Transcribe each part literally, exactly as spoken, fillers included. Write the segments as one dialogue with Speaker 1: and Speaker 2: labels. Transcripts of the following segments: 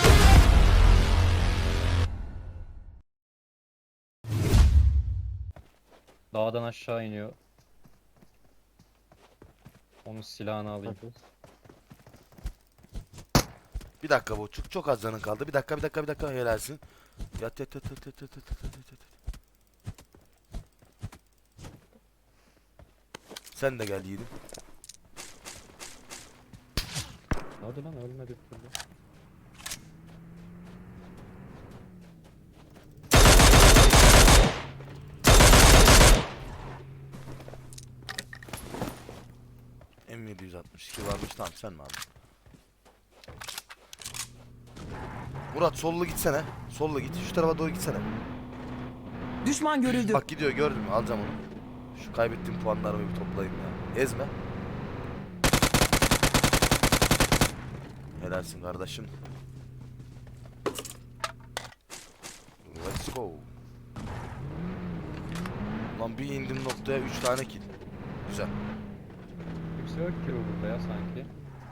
Speaker 1: Dağdan aşağı iniyor. Onun silahını alayım.
Speaker 2: Bir dakika bu çok çok az canın kaldı. Bir dakika bir dakika bir dakika helalsin. Yat yat yat yat yat yat yat yat yat yat. Sen de gel yiğidim.
Speaker 1: Hadi lan ölmedi bir türlü.
Speaker 2: M yedi altmış iki varmış, tamam sen mi aldın? Murat sollu gitsene. Sollu git. Şu tarafa doğru gitsene.
Speaker 3: Düşman görüldü.
Speaker 2: Bak gidiyor, gördün mü? Alacağım onu. Şu kaybettiğim puanlarımı bir toplayayım ya. Ezme. Helalsin kardeşim. Let's go. Lan bir indim noktaya üç tane kill. Güzel.
Speaker 1: Kimse yok ki burada ya sanki.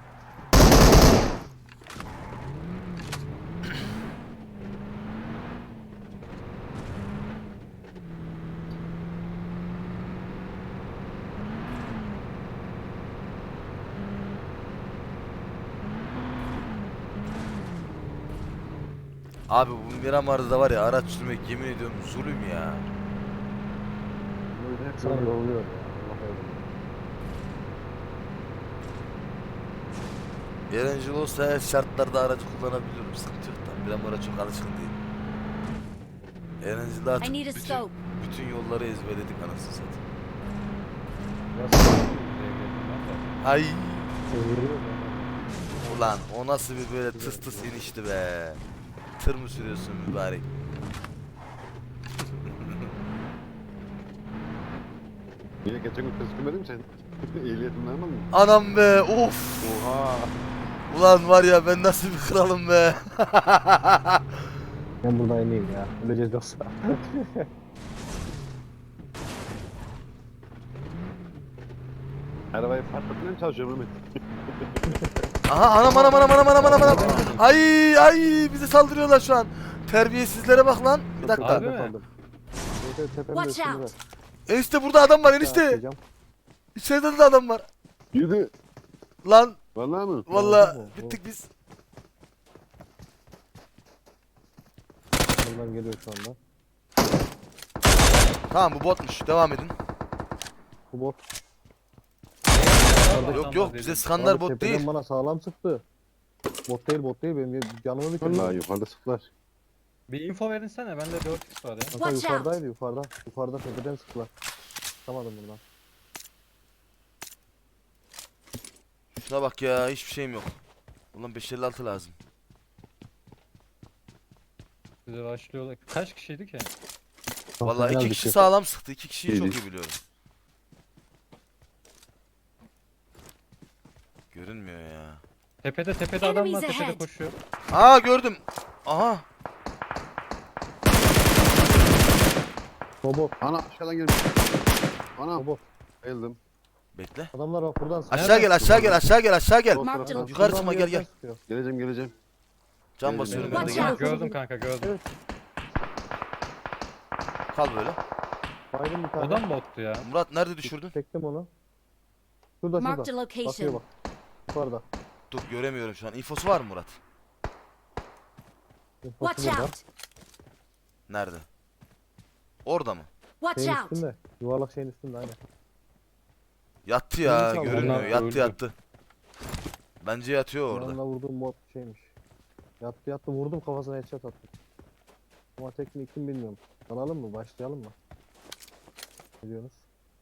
Speaker 2: Abi bu Miramar'da da var ya, araç sürmek yemin ediyorum zulüm ya.
Speaker 4: Böyle hep sana oluyor ya.
Speaker 2: Eğlenceli olsa her şartlarda aracı kullanabiliyorum. Sıkıntı yok da. Miramar'a çok alışkın değilim. Eğlenceli artık
Speaker 5: I need a
Speaker 2: bütün,
Speaker 5: scope.
Speaker 2: bütün yolları ezberledik anasını satayım.
Speaker 1: Biraz buraya geldim ben de.
Speaker 2: Ay
Speaker 4: Seviyorum.
Speaker 2: ulan o nasıl bir böyle tıs tıs inişti be. Tır mı sürüyorsun mübarek?
Speaker 4: Yine geçen gün kız sürmedin mi sen? Ehliyetin var mı?
Speaker 2: Anam be, of.
Speaker 4: Oha.
Speaker 2: Ulan var ya, ben nasıl bir kralım be.
Speaker 6: Ben buradan ineyim ya. Öleceğiz yoksa.
Speaker 4: Arabayı patlatmaya mı çalışıyorum Mehmet?
Speaker 2: Aha, anam anam anam anam anam anam anam. Ay ay, bize saldırıyorlar şu an. Terbiyesizlere bak lan. Bir dakika.
Speaker 1: Abi mi?
Speaker 6: Evet, evet, tepemde
Speaker 5: Watch
Speaker 6: üstümde.
Speaker 5: out.
Speaker 2: Enişte burada adam var enişte.
Speaker 6: Atlayacağım.
Speaker 2: İçeride de adam var.
Speaker 4: Yürü.
Speaker 2: Lan
Speaker 4: Vallahi mı?
Speaker 2: vallahi
Speaker 6: Oldu mu?
Speaker 2: bittik biz.
Speaker 6: Buradan geliyor şu anda.
Speaker 2: Tamam, bu botmuş. Devam edin.
Speaker 6: Bu bot.
Speaker 2: Yok yok, bize sıkanlar
Speaker 6: Abi
Speaker 2: bot
Speaker 6: tepeden
Speaker 2: değil.
Speaker 6: bana sağlam sıktı. Bot değil bot değil, benim canımı bitirdi.
Speaker 4: Vallahi yukarıda sıktılar.
Speaker 1: Bir info verinsene, bende dört x var ya.
Speaker 6: Kanka
Speaker 5: Watch out.
Speaker 6: yukarıdaydı yukarıda. Yukarıda tepeden sıktılar. Çıkamadım buradan.
Speaker 2: Şuna bak ya, hiçbir şeyim yok. Ulan beş elli altı lazım.
Speaker 1: Bize başlıyorlar. Kaç kişiydi ki?
Speaker 2: Vallahi
Speaker 6: Final
Speaker 2: iki
Speaker 6: bitti.
Speaker 2: kişi sağlam sıktı. İki kişiyi çok
Speaker 4: İyiydi.
Speaker 2: iyi biliyorum. Görünmüyor ya.
Speaker 1: Tepede tepede adam var,
Speaker 5: Enemies
Speaker 1: tepede
Speaker 5: ahead.
Speaker 1: koşuyor.
Speaker 2: Aa, gördüm. Aha.
Speaker 6: O bot.
Speaker 4: Ana aşağıdan gelmiş. Ana.
Speaker 6: O bot.
Speaker 4: Bayıldım.
Speaker 2: Bekle.
Speaker 6: Adamlar bak buradan sıkıyor.
Speaker 2: Aşağı gel, aşağı gel, aşağı gel, aşağı gel.
Speaker 4: O
Speaker 5: Marked
Speaker 4: taraftan.
Speaker 5: a-
Speaker 2: Yukarı
Speaker 6: Buradan
Speaker 2: çıkma,
Speaker 6: bir
Speaker 2: gel
Speaker 6: yerden
Speaker 2: gel.
Speaker 6: sıkıyor.
Speaker 4: Geleceğim geleceğim.
Speaker 2: Can basıyorum ben de,
Speaker 5: Watch
Speaker 2: gel.
Speaker 5: out.
Speaker 1: Gördüm kanka, gördüm.
Speaker 2: Kal böyle.
Speaker 6: Baydın bir tane.
Speaker 1: O da mı bottu ya?
Speaker 2: Murat nerede düşürdün?
Speaker 6: Çektim onu. Şurada
Speaker 5: Marked a
Speaker 6: şurada. Bakıyor
Speaker 5: location.
Speaker 6: bak. Yukarıda.
Speaker 2: Dur, göremiyorum şu an. İnfosu var mı Murat?
Speaker 6: Infosu
Speaker 5: Watch
Speaker 6: burada.
Speaker 5: out.
Speaker 2: Nerede? Orada mı?
Speaker 5: Watch
Speaker 6: Şeyin
Speaker 5: out.
Speaker 6: üstünde. Yuvarlak şeyin üstünde aynen.
Speaker 2: Yattı ya,
Speaker 6: Neyse abi,
Speaker 2: görünmüyor.
Speaker 1: onlar
Speaker 2: Yattı
Speaker 1: öldü.
Speaker 2: yattı. Bence yatıyor orada.
Speaker 6: Yanına vurduğum bot şeymiş. Yattı yattı vurdum, kafasına headshot attım. Ama tekniği kim bilmiyorum. Alalım mı? Başlayalım mı? Ne diyorsunuz?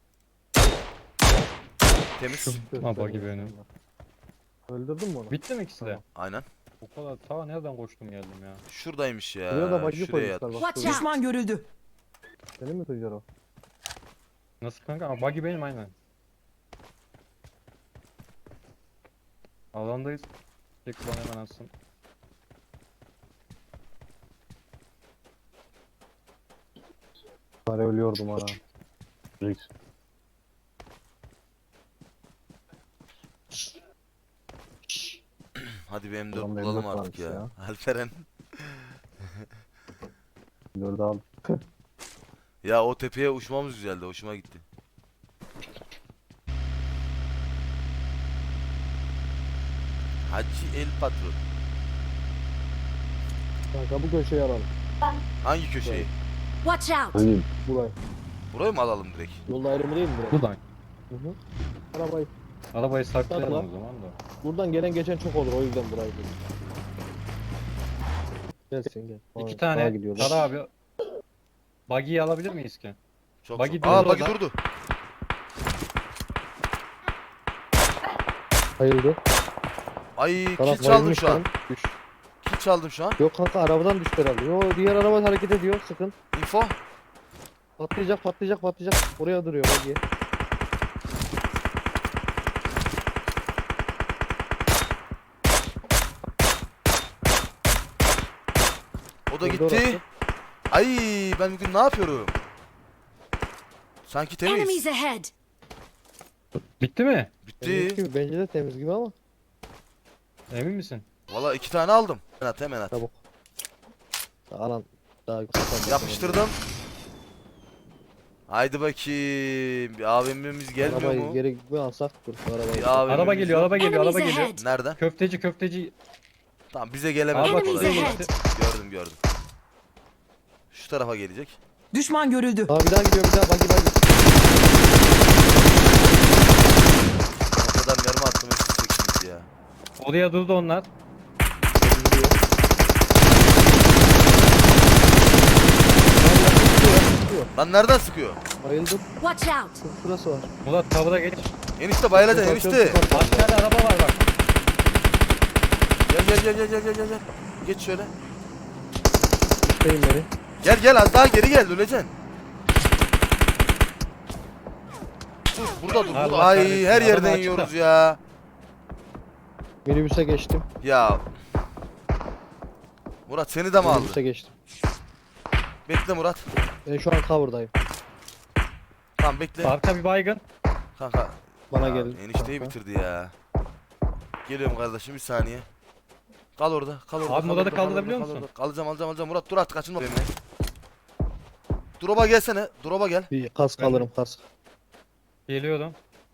Speaker 2: Temiz.
Speaker 1: Ha, buggy benim.
Speaker 6: Öldürdün mü onu?
Speaker 1: Bitti mi ikisi de?
Speaker 6: Tamam.
Speaker 2: Aynen.
Speaker 1: O kadar ta nereden koştum geldim ya.
Speaker 2: Şuradaymış ya.
Speaker 6: Buraya da buggy
Speaker 2: Şuraya
Speaker 6: koymuşlar
Speaker 2: yatmış.
Speaker 6: bak.
Speaker 5: Watch
Speaker 6: şuraya.
Speaker 5: out.
Speaker 3: Düşman görüldü.
Speaker 6: Senin mi Tuncer o?
Speaker 1: Nasıl kanka? Ama buggy benim aynen. Alandayız. Tek bana hemen atsın.
Speaker 6: Bari ölüyordum ana.
Speaker 4: Neyse.
Speaker 2: Hadi Hadi bir M dört
Speaker 6: Adamda M
Speaker 2: bulalım
Speaker 6: dört
Speaker 2: artık
Speaker 6: varmış
Speaker 2: ya.
Speaker 6: ya.
Speaker 2: Alperen.
Speaker 6: Dördü al.
Speaker 2: Ya o tepeye uçmamız güzeldi. Hoşuma gitti. Hacı El Patron.
Speaker 6: Kanka bu köşeyi alalım.
Speaker 2: Hangi köşeyi?
Speaker 5: Watch out!
Speaker 4: Hani
Speaker 6: Burayı.
Speaker 2: Burayı mı alalım direkt?
Speaker 6: Yolda ayrımı değil mi burası?
Speaker 1: Buradan.
Speaker 6: Hı hı. Arabayı.
Speaker 1: Arabayı saklayalım
Speaker 6: Sakla.
Speaker 1: o zaman da.
Speaker 6: Buradan gelen geçen çok olur o yüzden burayı dedim. Gelsin gel.
Speaker 1: İki
Speaker 6: Aa,
Speaker 1: tane.
Speaker 6: sağa gidiyorlar.
Speaker 1: Tara abi. Buggy'yi alabilir miyiz ki?
Speaker 2: Çok
Speaker 1: Buggy
Speaker 2: çok.
Speaker 1: durdu
Speaker 2: Aa buggy
Speaker 1: orada.
Speaker 2: durdu.
Speaker 6: Hayırdır?
Speaker 2: Ay
Speaker 6: Taraf
Speaker 2: kill çaldım
Speaker 6: bayılmış
Speaker 2: şu an.
Speaker 6: lan. Düş.
Speaker 2: Kill çaldım şu an.
Speaker 6: Yok kanka arabadan düştü herhalde. Yo diğer araba hareket ediyor sıkın.
Speaker 2: Info.
Speaker 6: Patlayacak patlayacak patlayacak. Oraya duruyor bak.
Speaker 2: O da
Speaker 6: Durdu
Speaker 2: gitti.
Speaker 6: orası.
Speaker 2: Ay ben bugün ne yapıyorum? Sanki
Speaker 5: Enemies
Speaker 2: temiz.
Speaker 5: ahead!
Speaker 1: Bitti mi?
Speaker 6: Temiz
Speaker 2: Bitti.
Speaker 6: gibi, bence de temiz gibi ama.
Speaker 1: Emin misin?
Speaker 2: Valla iki tane aldım. Hemen at hemen at.
Speaker 6: Çabuk. Alan daha
Speaker 2: Yapıştırdım. Haydi bakayım. Bir A V M'miz gelmiyor
Speaker 6: Arabayı
Speaker 2: mu?
Speaker 6: geri bir alsak dur şu arabayı.
Speaker 2: Bir A V M'miz
Speaker 1: Araba geliyor,
Speaker 2: yok.
Speaker 1: araba geliyor,
Speaker 5: Enemies
Speaker 1: araba geliyor.
Speaker 5: ahead!
Speaker 2: Nereden?
Speaker 1: Köfteci, köfteci.
Speaker 2: Tamam bize gelemez.
Speaker 1: Abi bak
Speaker 5: Enemies
Speaker 1: şuraya
Speaker 5: ahead!
Speaker 1: gitti.
Speaker 2: Gördüm gördüm. Şu tarafa gelecek.
Speaker 3: Düşman görüldü.
Speaker 6: Aa bir daha gidiyor bir daha bagi bagi.
Speaker 2: O kadar mermi attım hepsi çekilmiş ya.
Speaker 1: Oraya durdu onlar.
Speaker 6: Gidiyor. Gidiyor.
Speaker 2: Lan nereden sıkıyor?
Speaker 6: Bayıldım.
Speaker 5: Watch out!
Speaker 6: Şurası var.
Speaker 1: Murat tavıra geç.
Speaker 2: Enişte bayılacaksın enişte.
Speaker 1: Aşağıda araba var bak.
Speaker 2: Gel gel gel gel gel gel gel. gel. Geç şöyle.
Speaker 6: Şeyim beni.
Speaker 2: Gel gel az daha geri gel öleceksin. Dur burada dur.
Speaker 1: Allah
Speaker 2: Burada. Ay
Speaker 1: kahretsin,
Speaker 2: her
Speaker 1: adam
Speaker 2: yerden
Speaker 1: açıkta.
Speaker 2: yiyoruz ya.
Speaker 6: Minibüse geçtim.
Speaker 2: Ya. Murat seni de mi aldı?
Speaker 6: Minibüse geçtim.
Speaker 2: Bekle Murat.
Speaker 6: Ben şu an cover'dayım.
Speaker 2: Tamam bekle.
Speaker 1: Arka bir baygın.
Speaker 2: Kanka.
Speaker 6: Bana
Speaker 2: Ya,
Speaker 6: gelin.
Speaker 2: Enişteyi
Speaker 6: kanka.
Speaker 2: bitirdi ya. Geliyorum kardeşim bir saniye. Kal orada, kal orada.
Speaker 1: Abi
Speaker 2: kal
Speaker 1: Murat'ı
Speaker 2: orada, kal
Speaker 1: kaldırabiliyor
Speaker 2: orada, kal
Speaker 1: musun?
Speaker 2: orada. Alacağım, alacağım, alacağım. Murat dur artık kaçınma benimle. Drop'a gelsene. Drop'a gel.
Speaker 6: Bir kask
Speaker 1: Ben-
Speaker 6: alırım kask.
Speaker 1: Geliyorum.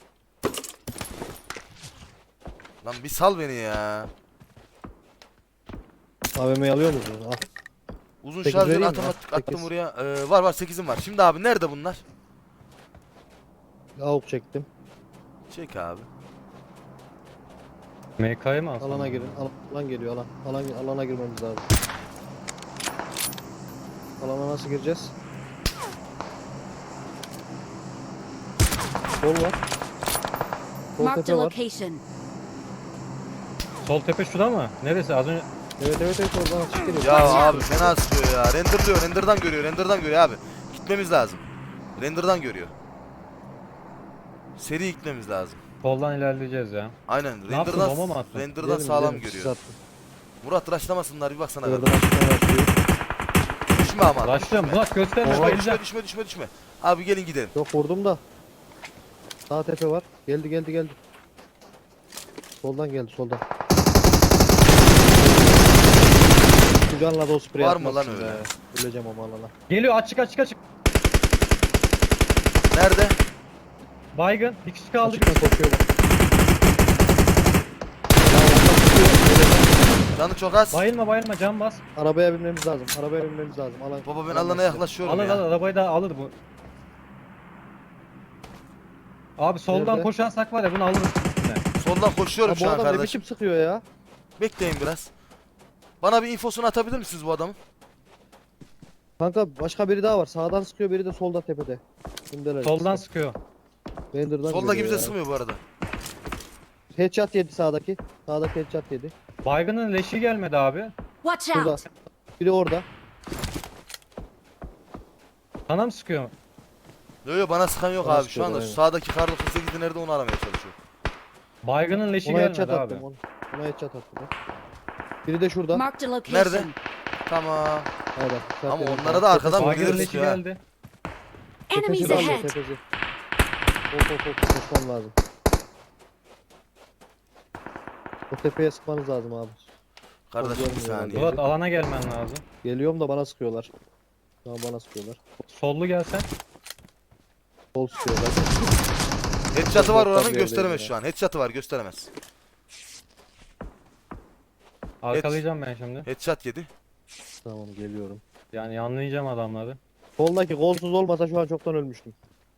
Speaker 2: Lan bir sal beni ya.
Speaker 6: A V M'yi alıyor musunuz? Al.
Speaker 2: Uzun
Speaker 6: Sekiz
Speaker 2: şarjör
Speaker 6: vereyim mi?
Speaker 2: otomatik attım
Speaker 6: Sekiz.
Speaker 2: buraya. Ee, var var sekizim var. Şimdi abi nerede bunlar?
Speaker 6: Avuk çektim.
Speaker 2: Çek abi.
Speaker 1: M K'yı mı alsın?
Speaker 6: Alana girin. Al- Alan geliyor alan. Alan alana girmemiz lazım. Alana nasıl gireceğiz? Sol var. Sol
Speaker 5: Marked a
Speaker 6: tepe var.
Speaker 5: location.
Speaker 1: Sol tepe şurada mı? Neresi? Az önce
Speaker 6: Evet evet evet oradan açık geliyor.
Speaker 2: Ya
Speaker 5: Watch
Speaker 2: abi
Speaker 5: out.
Speaker 2: fena sıkıyor ya. Renderlıyor, renderdan görüyor, renderdan görüyor abi. Gitmemiz lazım. Renderdan görüyor. Seri gitmemiz lazım.
Speaker 1: soldan ilerleyeceğiz ya.
Speaker 2: Aynen.
Speaker 1: Ne yaptın,
Speaker 2: Renderdan
Speaker 1: bomba mı attın?
Speaker 2: renderdan
Speaker 6: Gidelim,
Speaker 2: sağlam
Speaker 6: gidelim, sis
Speaker 2: görüyor.
Speaker 6: attım.
Speaker 2: Murat rushlamasınlar bir baksana.
Speaker 6: Oradan açıktan başlıyor.
Speaker 2: Düşme ama.
Speaker 1: Başlıyorum. Murat gösterme.
Speaker 2: Düşme,
Speaker 1: Bayılacağım.
Speaker 2: düşme, düşme, düşme, düşme. Abi gelin gidelim.
Speaker 6: Yok vurdum da. Sağ tepe var. Geldi geldi geldi. Soldan geldi soldan. Şu canla da o sprey
Speaker 2: Var mı
Speaker 6: atmazsın
Speaker 2: lan öyle?
Speaker 6: be. Öleceğim ama alana.
Speaker 1: Geliyor açık açık açık.
Speaker 2: Nerede?
Speaker 1: Baygın. Bir kişi kaldı.
Speaker 6: Açıktan koşuyor bak.
Speaker 2: Canı çok az.
Speaker 1: Bayılma bayılma can bas.
Speaker 6: Arabaya binmemiz lazım. Arabaya binmemiz lazım. Alan.
Speaker 2: Baba ben
Speaker 6: alan
Speaker 2: alana
Speaker 6: size.
Speaker 2: yaklaşıyorum
Speaker 1: Alır
Speaker 2: ya.
Speaker 1: alır arabayı da alır bu. Abi soldan
Speaker 6: Nerede?
Speaker 1: koşan sak var ya bunu alırız. üstüne.
Speaker 2: Soldan koşuyorum
Speaker 6: Ya
Speaker 2: şu
Speaker 6: bu
Speaker 2: an
Speaker 6: adam ne
Speaker 2: kardeşim.
Speaker 6: biçim sıkıyor ya?
Speaker 2: Bekleyin biraz. Bana bir infosunu atabilir misiniz bu adamın?
Speaker 6: Kanka başka biri daha var. Sağdan sıkıyor biri de solda tepede. Kimdeler?
Speaker 1: Soldan sıkıyor.
Speaker 6: Render'dan
Speaker 2: Soldaki
Speaker 6: geliyor
Speaker 2: bize
Speaker 6: ya.
Speaker 2: sıkmıyor bu arada.
Speaker 6: Headshot yedi sağdaki. Sağdaki headshot yedi.
Speaker 1: Baygının leşi gelmedi abi.
Speaker 5: Watch
Speaker 6: Şurada.
Speaker 5: out!
Speaker 6: Biri orada.
Speaker 1: Sana mı sıkıyor?
Speaker 2: Yok yok bana sıkan yok
Speaker 6: Bana
Speaker 2: abi. Şu
Speaker 6: sıkıyorlar,
Speaker 2: anda
Speaker 6: aynen.
Speaker 2: sağdaki kar doksan sekizde nerede onu aramaya çalışıyor.
Speaker 1: Baygının leşi
Speaker 6: Ona headshot
Speaker 1: gelmedi abi.
Speaker 6: attım. Ona, ona headshot attım. bak. Biri de şurada.
Speaker 5: Marked a location.
Speaker 2: Nerede? Tamam.
Speaker 6: Hayır, bak,
Speaker 2: Ama
Speaker 6: zaten-
Speaker 2: onlara da arkadan
Speaker 6: Tepesi-
Speaker 1: Baygının
Speaker 2: Biliriz
Speaker 1: leşi
Speaker 2: ya.
Speaker 1: geldi.
Speaker 5: Enemies
Speaker 6: Tepesi de alıyor,
Speaker 5: ahead!
Speaker 6: tepesi. Hop hop hop koşmam lazım. O tepeye sıkmanız lazım abi.
Speaker 2: Kardeşim bir
Speaker 6: Görmüyor
Speaker 2: saniye.
Speaker 1: Murat alana gelmen lazım.
Speaker 6: Geliyorum da bana sıkıyorlar. Şu an bana sıkıyorlar.
Speaker 1: Sollu gelsen.
Speaker 6: Sol sıkıyorlar.
Speaker 2: Headshot'ı var oranın,
Speaker 6: Tabii,
Speaker 2: gösteremez
Speaker 6: öyle
Speaker 2: şu an. Headshot'ı var, gösteremez.
Speaker 1: Arkalayacağım ben şimdi.
Speaker 2: Headshot yedi.
Speaker 6: Tamam geliyorum.
Speaker 1: Yani yanlayacağım adamları.
Speaker 6: Soldaki kolsuz olmasa şu an çoktan ölmüştüm.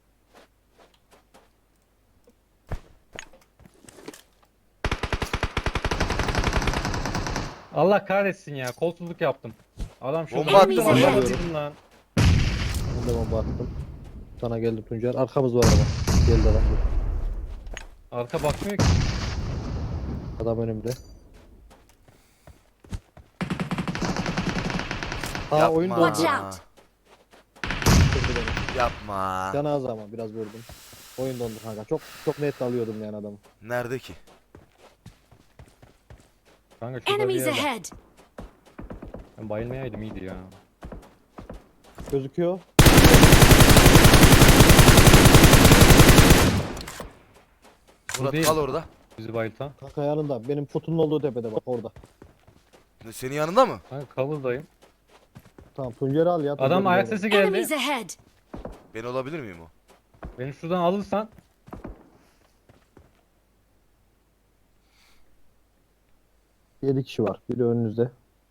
Speaker 1: Allah kahretsin ya. Kolsuzluk yaptım. Adam şurada.
Speaker 2: Bomba attım,
Speaker 1: Bomba
Speaker 5: bomba
Speaker 1: attım lan.
Speaker 6: Ben de bomba attım. Sana geldi Tuncer. Arkamız var ama. Geldi adam.
Speaker 1: Arka bakmıyor ki.
Speaker 6: Adam önümde. Ha
Speaker 2: Yapma.
Speaker 6: oyun dondu.
Speaker 5: Watch out.
Speaker 6: Kırdı beni.
Speaker 2: Yapma.
Speaker 6: Canı az ama biraz vurdum. Oyun dondu kanka. Çok çok net alıyordum yani adamı.
Speaker 2: Nerede ki?
Speaker 1: Kanka şurada bir
Speaker 5: Enemies
Speaker 1: yer var.
Speaker 5: ahead.
Speaker 1: Ben bayılmayaydım iyiydi ya.
Speaker 6: Gözüküyor.
Speaker 2: Murat
Speaker 1: değil.
Speaker 2: kal orada.
Speaker 1: Bizi bayıltan.
Speaker 6: Kanka yanında. Benim putunun olduğu tepede bak orada.
Speaker 2: Senin yanında mı?
Speaker 1: Kanka cover'dayım.
Speaker 6: Tamam Tuncer'i al ya.
Speaker 1: Adam
Speaker 6: Tuncer'i
Speaker 1: ayak
Speaker 6: al.
Speaker 1: sesi geldi.
Speaker 5: Enemies ahead.
Speaker 2: Ben olabilir miyim o?
Speaker 1: Beni şuradan alırsan.
Speaker 6: yedi kişi var. Biri önünüzde.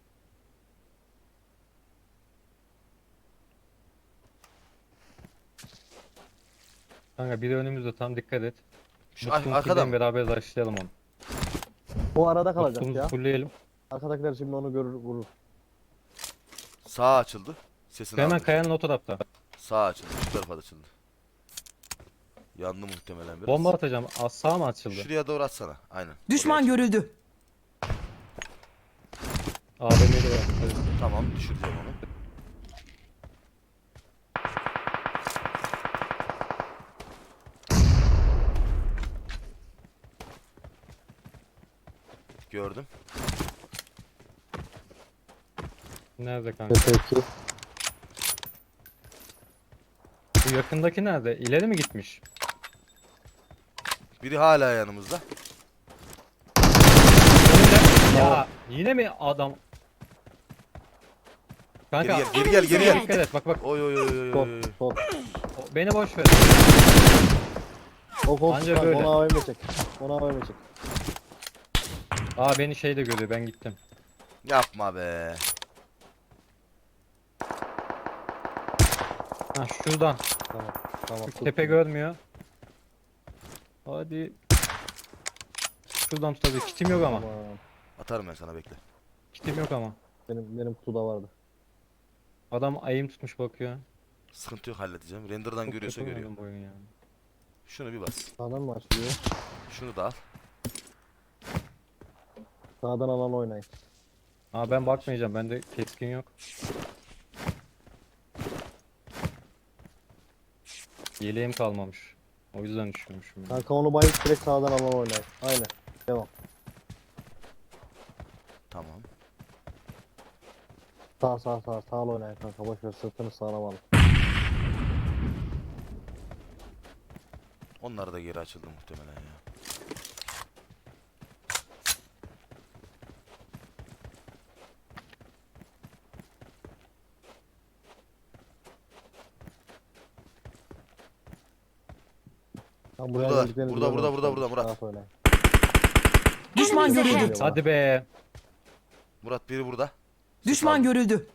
Speaker 1: Kanka biri önümüzde, tam dikkat et.
Speaker 2: Şu ar-
Speaker 1: Mutlu'nun
Speaker 2: arkada
Speaker 1: kilden
Speaker 2: mı?
Speaker 1: beraber başlayalım onu.
Speaker 6: O arada kalacak
Speaker 1: Mutlu'muzu
Speaker 6: ya.
Speaker 1: fullleyelim.
Speaker 6: Arkadakiler şimdi onu görür vurur.
Speaker 2: Sağ açıldı. Sesini
Speaker 1: Hemen
Speaker 2: aldım.
Speaker 1: kayanın o tarafta.
Speaker 2: Sağ açıldı. Şu tarafa da açıldı. Yandı muhtemelen biraz.
Speaker 1: Bomba atacağım. Az sağ mı açıldı?
Speaker 2: Şuraya doğru atsana. Aynen.
Speaker 3: Düşman
Speaker 2: Oraya.
Speaker 3: görüldü.
Speaker 1: A V M'de var. Evet.
Speaker 2: Tamam, düşüreceğim onu. Gördüm.
Speaker 1: Nerede kanka?
Speaker 6: Peki.
Speaker 1: Bu yakındaki nerede? İleri mi gitmiş?
Speaker 2: Biri hala yanımızda.
Speaker 1: Önünde. Ya yine mi adam? Kanka
Speaker 2: Geri gel, geri gel, geri gel.
Speaker 1: dikkat et, bak bak.
Speaker 2: Oy oy oy oy
Speaker 6: Sol,
Speaker 2: oy.
Speaker 6: sol.
Speaker 1: O- Beni boş ver.
Speaker 6: O kol
Speaker 1: Anca
Speaker 6: tutar,
Speaker 1: böyle.
Speaker 6: ona A V M çek. Ona A V M çek.
Speaker 1: Aa beni şey de görüyor, ben gittim.
Speaker 2: Yapma be.
Speaker 1: Ha şuradan.
Speaker 6: Tamam. Tamam.
Speaker 1: Şu tepe görmüyor. Hadi. Şuradan tutabilir. Kitim yok ama.
Speaker 6: Tamam.
Speaker 2: Atarım ben sana, bekle.
Speaker 1: Kitim yok ama.
Speaker 6: Benim benim kutuda vardı.
Speaker 1: Adam ayım tutmuş bakıyor.
Speaker 2: Sıkıntı yok, halledeceğim. Render'dan
Speaker 1: Çok
Speaker 2: görüyorsa
Speaker 1: kötü
Speaker 2: görüyor.
Speaker 1: oynadım bu oyunu ya.
Speaker 2: Şunu bir bas.
Speaker 6: Sağdan mı açılıyor?
Speaker 2: Şunu da al.
Speaker 6: Sağdan alan oynayın.
Speaker 1: Aa ben bakmayacağım. Bende keskin yok. Yeleğim kalmamış. O yüzden düşürmüşüm. ya.
Speaker 6: Kanka onu bayıp direkt sağdan alan oynayın. Aynen. Devam.
Speaker 2: Tamam.
Speaker 6: Sağ sağ sağ sağ oynayın kanka. Boş ver sırtını sağlam alın.
Speaker 2: Onlar da geri açıldı muhtemelen ya.
Speaker 6: Tam
Speaker 2: Buradalar.
Speaker 6: geldiklerini
Speaker 2: Burada, burada,
Speaker 6: görmemişler.
Speaker 2: burada, burada, Murat.
Speaker 6: Rahat oynayın.
Speaker 3: Düşman
Speaker 5: Enemies
Speaker 3: görüldü.
Speaker 5: ahead.
Speaker 1: Hadi be.
Speaker 2: Murat biri burada.
Speaker 3: Düşman
Speaker 2: aldım.
Speaker 3: görüldü.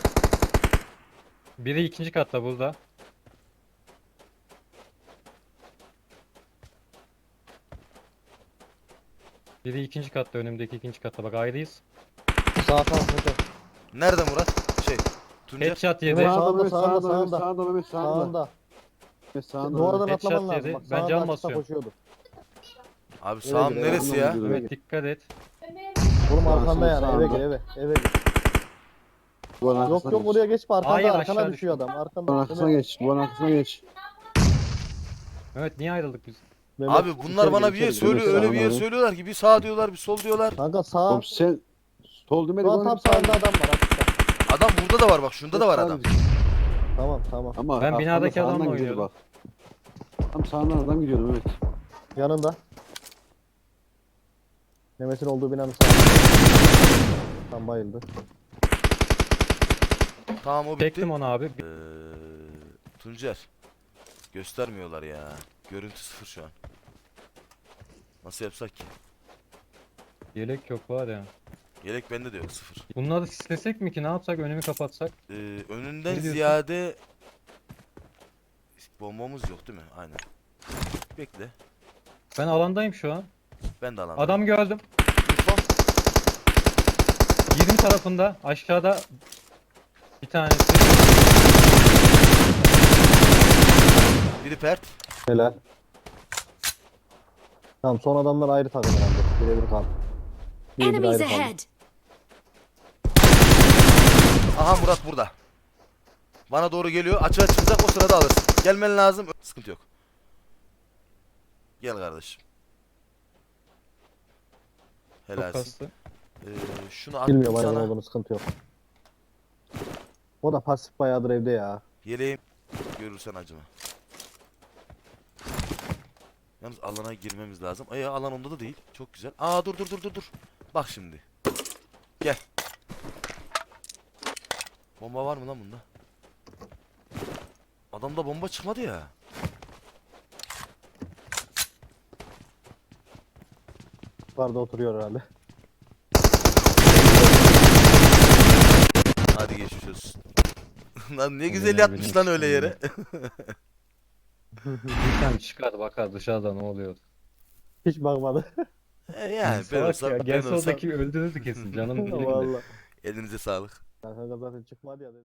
Speaker 1: Biri ikinci katta burada. Biri ikinci katta, önümdeki ikinci katta. Bak ayrıyız.
Speaker 6: Sağ sağ sağ.
Speaker 2: Nerede Murat? Şey. Tuncer.
Speaker 1: Headshot yedi.
Speaker 6: Sağda,
Speaker 4: Sağda Mehmet,
Speaker 6: sağda,
Speaker 4: sağda Mehmet,
Speaker 6: sağda.
Speaker 4: sağda Mehmet, sağda.
Speaker 6: Sağında.
Speaker 4: Mehmet, sağda.
Speaker 6: Duvardan
Speaker 1: Headshot
Speaker 6: atlaman lazım.
Speaker 1: yedi.
Speaker 6: Bak,
Speaker 1: Ben
Speaker 6: sağında
Speaker 1: can
Speaker 6: açıkta
Speaker 1: basıyorum.
Speaker 6: koşuyordu.
Speaker 2: Abi
Speaker 6: Eve
Speaker 2: sağım
Speaker 6: gir, eve
Speaker 2: neresi
Speaker 4: gir.
Speaker 2: ya?
Speaker 4: Eve
Speaker 1: Evet dikkat et.
Speaker 6: Oğlum
Speaker 4: Sağ,
Speaker 6: arkanda
Speaker 4: sol,
Speaker 6: yani eve
Speaker 4: sağında.
Speaker 6: gir eve. Eve gir.
Speaker 4: Duvarın
Speaker 6: Yok
Speaker 4: arkasına
Speaker 6: yok
Speaker 4: geç.
Speaker 6: oraya geçme arkanda
Speaker 1: Hayır,
Speaker 6: arkana
Speaker 1: aşağı
Speaker 6: düşüyor
Speaker 1: düştüm.
Speaker 6: adam. Arkanda.
Speaker 4: Duvarın arkasına geç. Duvarın arkasına geç.
Speaker 1: Evet niye ayrıldık biz?
Speaker 6: Mehmet,
Speaker 2: Abi bunlar
Speaker 6: içeri
Speaker 2: bana
Speaker 6: gir,
Speaker 2: bir yer
Speaker 6: içeri gir.
Speaker 2: söylüyor,
Speaker 4: Mehmet,
Speaker 2: öyle bir yer
Speaker 4: sağ,
Speaker 2: söylüyorlar ki bir sağ diyorlar, bir sol diyorlar.
Speaker 6: Kanka sağ.
Speaker 4: Oğlum sen sol demedin
Speaker 6: Şu an
Speaker 4: oğlum,
Speaker 6: tam
Speaker 4: sağ-
Speaker 6: sağında adam var. Açıkta.
Speaker 2: Adam burada da var bak, şunda da var adam.
Speaker 6: Tamam tamam.
Speaker 4: Ama
Speaker 1: Ben
Speaker 4: arkanda
Speaker 1: binadaki
Speaker 4: sağından
Speaker 1: adamla
Speaker 4: gidiyordu
Speaker 1: oynuyordum.
Speaker 4: bak. Tam sağından adam gidiyordu Mehmet.
Speaker 6: Yanında. Mehmet'in olduğu binanın sağında. Tam bayıldı.
Speaker 2: Tamam o bitti.
Speaker 1: Çektim onu abi.
Speaker 2: Ee, Tuncer. Göstermiyorlar ya. Görüntü sıfır şu an. Nasıl yapsak ki?
Speaker 1: Yelek yok var ya.
Speaker 2: Yelek bende de yok sıfır.
Speaker 1: Bunları sislesek mi ki, ne yapsak, önümü kapatsak?
Speaker 2: Ee, önünden
Speaker 1: Ne diyorsun?
Speaker 2: ziyade bombamız yok değil mi? Aynen. Bekle.
Speaker 1: Ben alandayım şu an.
Speaker 2: Ben de alandayım.
Speaker 1: Adam gördüm.
Speaker 2: Info.
Speaker 1: yirmi tarafında aşağıda bir tanesi.
Speaker 2: Biri pert.
Speaker 6: Helal. Tamam son adamlar ayrı takım herhalde. Birebir kal. Birebir
Speaker 5: Enemies
Speaker 6: ayrı kaldı.
Speaker 5: ahead!
Speaker 2: Aha Murat burada. Bana doğru geliyor. Açığa çıkacak, o sırada alırsın. Gelmen lazım. Sıkıntı yok. Gel kardeşim.
Speaker 1: Çok
Speaker 2: Helalsin.
Speaker 1: kastı.
Speaker 2: Ee, şunu attım
Speaker 6: Bilmiyorum aynen
Speaker 2: sana.
Speaker 6: olduğunu sıkıntı yok. O da pasif bayağıdır evde ya.
Speaker 2: Yeleğim. Görürsen acıma. Yalnız alana girmemiz lazım. Ay alan onda da değil. Çok güzel. Aa dur dur dur dur dur. Bak şimdi. Gel. Bomba var mı lan bunda? Adamda bomba çıkmadı ya.
Speaker 6: Yukarıda oturuyor herhalde.
Speaker 2: Hadi geçmiş olsun. Lan ne güzel
Speaker 1: Eline
Speaker 2: yatmış lan
Speaker 1: benim
Speaker 2: öyle yere.
Speaker 1: Bir tane çıkar bakar dışarıda ne oluyor.
Speaker 6: Hiç bakmadı.
Speaker 2: E yani ben
Speaker 1: Salak
Speaker 2: olsam,
Speaker 1: ya.
Speaker 2: ben
Speaker 1: Gelse
Speaker 2: olsam
Speaker 1: oradaki öldürürdü kesin. Canım bilir.
Speaker 6: Vallahi.
Speaker 2: elinize sağlık.
Speaker 6: Kanka zaten çıkmadı ya.